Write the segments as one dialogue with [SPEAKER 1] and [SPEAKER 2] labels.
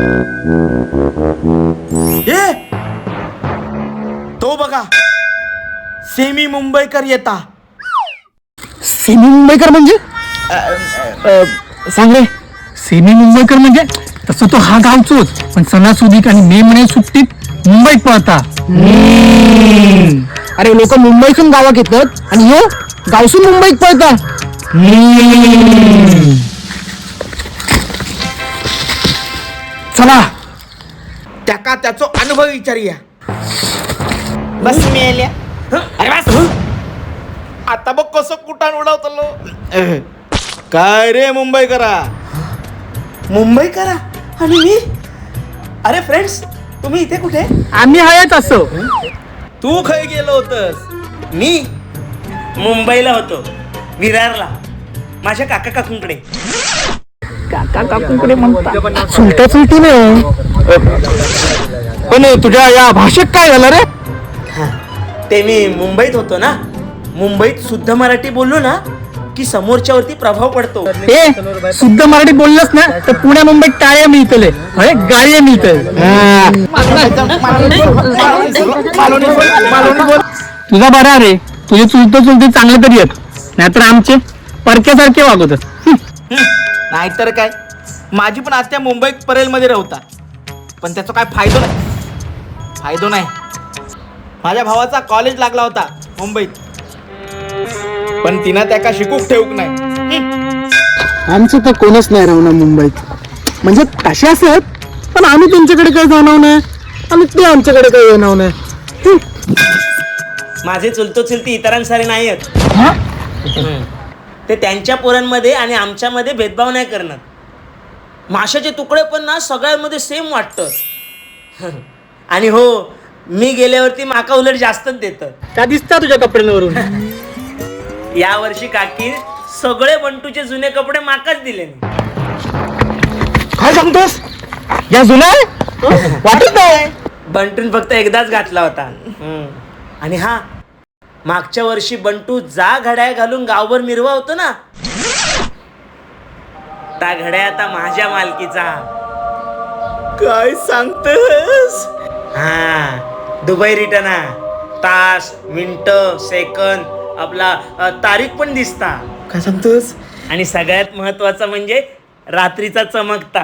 [SPEAKER 1] ए तो बघा, सेमी मुंबईकर येता.
[SPEAKER 2] सेमी मुंबईकर म्हणजे सांग रे. सेमी मुंबईकर म्हणजे तसं तो हा गावचोच, पण सणासुदीक आणि मे महिन्यात सुट्टीत मुंबईत पळता. अरे लोक मुंबईतून गावात येतात आणि हो गावसून मुंबईत पळता. चला
[SPEAKER 1] त्याका त्याचो अनुभव विचारूया. बस मेल्या. अरे बस. आता बघ कसं कुटाण उडवतलो. काय रे मुंबईकरा, मुंबईकरा आणि मी. अरे फ्रेंड्स, तुम्ही इथे कुठे?
[SPEAKER 2] आम्ही आहेत असो.
[SPEAKER 1] तू खाय गेलो होतस? मी मुंबईला होतो, विरारला, माझ्या काका काकूंकडे.
[SPEAKER 2] काका काकूंकडे म्हणता चुलता चुलती नाही. पण तुझ्या या भाषेत काय झालं रे?
[SPEAKER 1] ते मी मुंबईत होतो ना, मुंबईत शुद्ध मराठी बोललो ना की समोरच्यावरती प्रभाव पडतो.
[SPEAKER 2] ए शुद्ध मराठी बोललंस ना तर पुण्या मुंबईत टाळ्या मिळतले, अरे गाळ्या मिळतले. तुझा बरा रे, तुझे चुलते चांगले तरी आहेत, नाहीतर आमचे परक्यासारखे वागवतात.
[SPEAKER 1] नाहीतर काय, माझी पण आत्या मुंबईत परेलमध्ये राहता, पण त्याचा काय फायदो नाही. माझ्या भावाचा कॉलेज लागला होता मुंबईत, पण तिनं त्याका शिकूक ठेवूक नाही.
[SPEAKER 2] आमचं तर कोणच नाही राहणार मुंबईत. म्हणजे कसे असत, पण आम्ही त्यांच्याकडे काही जाणव नाही आणि ते आमच्याकडे काही येणार नाही.
[SPEAKER 1] माझे चुलतो चुलती इतरांसारे नाही आहेत. ते त्यांच्या पोरांमध्ये आणि आमच्यामध्ये भेदभाव नाही करणार. माशाचे तुकडे पण ना सगळ्यांमध्ये सेम वाटतं. आणि हो, मी गेल्यावरती माका उलट जास्तच देतं.
[SPEAKER 2] का दिसता तुझ्या कपड्यांवरून?
[SPEAKER 1] या वर्षी काकी सगळे बंटूचे जुने कपडे माकाच दिले.
[SPEAKER 2] काय सांगतोस? या जुना वाटत नाही.
[SPEAKER 1] बंटून फक्त एकदाच घातला होता. आणि हा, मागच्या वर्षी बंटू जा घड्याळ घालून गावभर मिरवा होतो ना, त्या घड्या आता माझ्या मालकीचा. काय सांगतस? हा, दुबई रिटर्न, तास, मिनिट, सेकंद, आपला तारीख पण दिसता.
[SPEAKER 2] काय सांगतोस?
[SPEAKER 1] आणि सगळ्यात महत्वाचं म्हणजे रात्रीचा चमकता.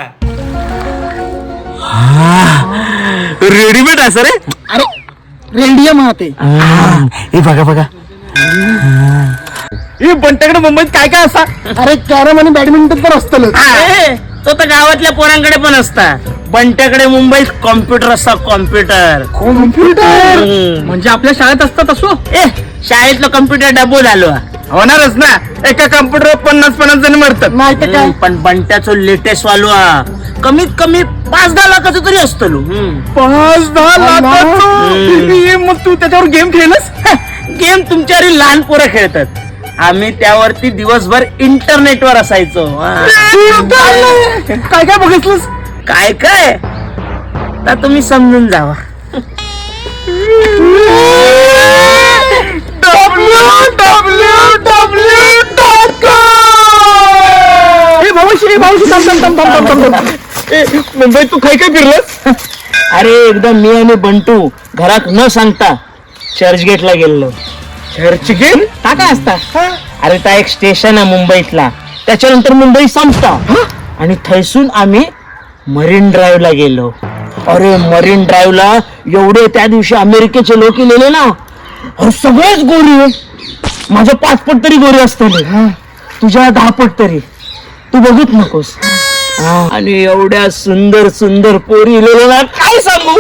[SPEAKER 2] रेडीमेड असं रे. अरे रेडियम हा ते. हे बघा हे बंटाकडे मुंबईत काय काय असा? अरे कॅरम आणि बॅडमिंटन तर असतं.
[SPEAKER 1] तो तर गावातल्या पोरांकडे पण असता. बंट्याकडे मुंबईत कॉम्प्युटर असता. कॉम्प्युटर
[SPEAKER 2] म्हणजे आपल्या शाळेत असतात असो.
[SPEAKER 1] शाळेतलं कम्प्युटर डबो झालो.
[SPEAKER 2] होणारच ना, एका कम्प्युटर 50 जण मरतात. नाही तर काय.
[SPEAKER 1] पण बंट्याचं लेटेस्ट वालो कमीत कमी 5-10 लाखाचं तरी असतो.
[SPEAKER 2] 5-10 लाख. मग तू त्याच्यावर गेम खेळलस?
[SPEAKER 1] गेम तुमच्यावर लहान पोरं खेळतात, आम्ही त्यावरती दिवसभर इंटरनेटवर असायचो.
[SPEAKER 2] काय काय बघितलंस?
[SPEAKER 1] काय काय तर तुम्ही समजून जावा.
[SPEAKER 2] मुंबईत तू काय काय फिरलस?
[SPEAKER 1] अरे एकदा मी आणि बंटू घरात न सांगता चर्चगेटला गेलो.
[SPEAKER 2] चर्चगेट का काय असता?
[SPEAKER 1] अरे त्या एक स्टेशन आहे मुंबईतला, त्याच्यानंतर मुंबई संपता आणि थैसून आम्ही मरीन ड्राईव्हला गेलो. अरे मरीन ड्राईव्हला एवढे त्या दिवशी अमेरिकेचे लोक गेले ना, अरे सगळेच गोरी. माझ्या 5 पट तरी गोरी असतील, तुझ्या 10 पट तरी. तू बघूच नकोस. आणि एवढ्या सुंदर सुंदर पोरी ना, काय सांगू.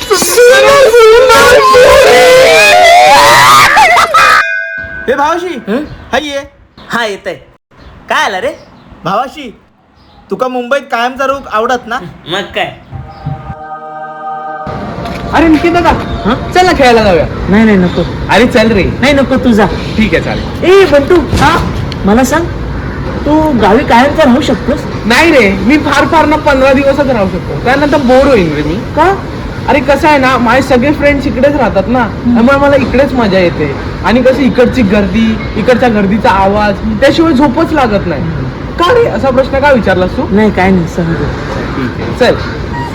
[SPEAKER 1] हे भावाशी हाय ये. हा येत आहे. काय आला रे भावाशी? तुका मुंबईत कायमचा रूप आवडत ना? मग काय.
[SPEAKER 2] अरे निकित दादा, चल ना खेळायला जाऊया.
[SPEAKER 1] नाही नको.
[SPEAKER 2] अरे चल रे.
[SPEAKER 1] नाही नको, तुझा.
[SPEAKER 2] ठीक आहे चालेल.
[SPEAKER 1] ए बंटू, हा मला सांग, तू गावी कायमचा राहू शकतोस?
[SPEAKER 2] नाही रे, मी फार ना 15 दिवसच राहू शकतो, त्यानंतर बोर होईल रे मी.
[SPEAKER 1] का?
[SPEAKER 2] अरे कसं आहे ना, माझे सगळे फ्रेंड्स इकडेच राहतात ना, त्यामुळे मला इकडेच मजा येते. आणि कशी इकडची गर्दी, इकडच्या गर्दीचा आवाज, त्याशिवाय झोपच लागत नाही. का रे, असा प्रश्न का विचारलास तू?
[SPEAKER 1] नाही काय नाही, सहज.
[SPEAKER 2] ठीक आहे चल.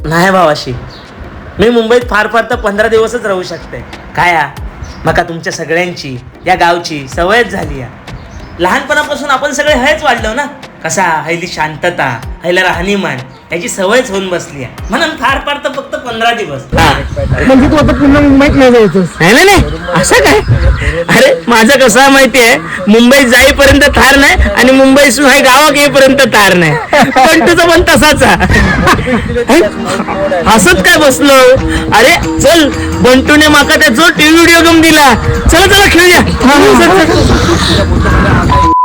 [SPEAKER 1] नाही भावाशी, मी मुंबईत फार फार तर 15 दिवसच राहू शकते. काय मका तुमच्या सगळ्यांची या गावची सवयच झाली या. लहानपणापासून आपण सगळे हेच वाढलो ना. कसा हैली शांतता, हैला राहणीमान याची सवयच होऊन बसली आहे. म्हणून फार फार तर फक्त 15 दिवस.
[SPEAKER 2] म्हणजे तू आता पुन्हा मुंबईत नाही जायचंस?
[SPEAKER 1] नाही नाही असं काय. अरे माझं कसं माहिती आहे, मुंबईत जाईपर्यंत थार नाही आणि मुंबईसून हाय गावात येईपर्यंत थार नाही. पण तुझं पण तसाच हसत काय बसलो. अरे चल, बंटूने माका त्याचा टीव्ही व्हिडिओ गेम दिला. चला चला खेळूया.